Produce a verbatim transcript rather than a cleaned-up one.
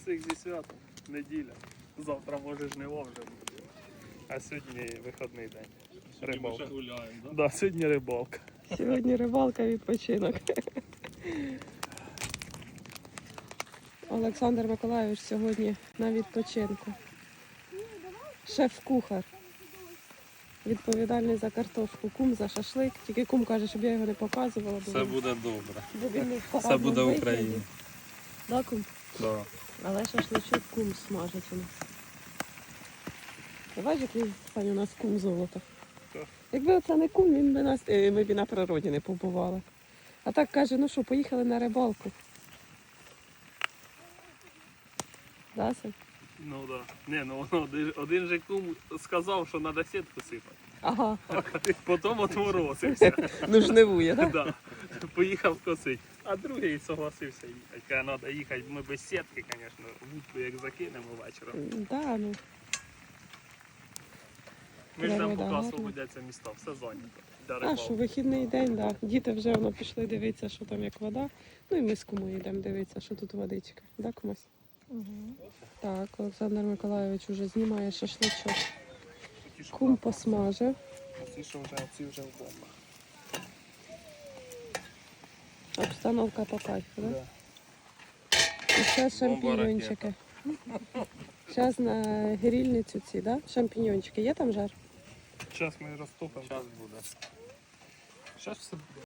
Всіх зі святом. Неділя. Завтра може жниво вже буде. А сьогодні вихідний день. Рибалка. Ми ще гуляємо, да? Да, сьогодні рибалка. Сьогодні рибалка, відпочинок. Олександр Миколайович сьогодні на відпочинку. Шеф-кухар. Відповідальний за картошку, кум за шашлик. Тільки кум каже, щоб я його не показувала. Бо Все він- буде добре. бо він не в Все парадному буде в вигляді. Україні. Да, кум? Да. Але шашличок кум смажить у нас. Ти бачиш, який Саня, у нас кум золото. Так. Якби це не кум, він би нас, е, ми б і на природі не побували. А так каже, ну що, поїхали на рибалку. Да, Сань? Ну да. Не, ну один, один же кум сказав, що треба сітку сипати. Ага, А потім отморозився. ну жнивує, так? Да. Поїхав косити. А другий согласився їхати. Каже, треба їхати. Ми без сітки, звісно, вудку як закинемо вечором. Да, ну. Ми ж там Природа поки гарна. освободяться міста, все зайнято. Для А рибалки. що, вихідний день, так. Да. Діти вже воно пішли дивитися, що там як вода. Ну і ми з кумою йдемо дивитися, що тут водичка. Да, кумась? Угу. Так, Олександр Миколайович вже знімає шашличок. Ті, що Кум посмажив. А ці, що вже, ці вже в бомбах. Обстановка по кайфу, да? Да. І ще шампіньончики. Зараз на грильницю ці, да? Шампіньончики. Є там жар? Зараз ми розтопимо. Зараз буде. Зараз все буде.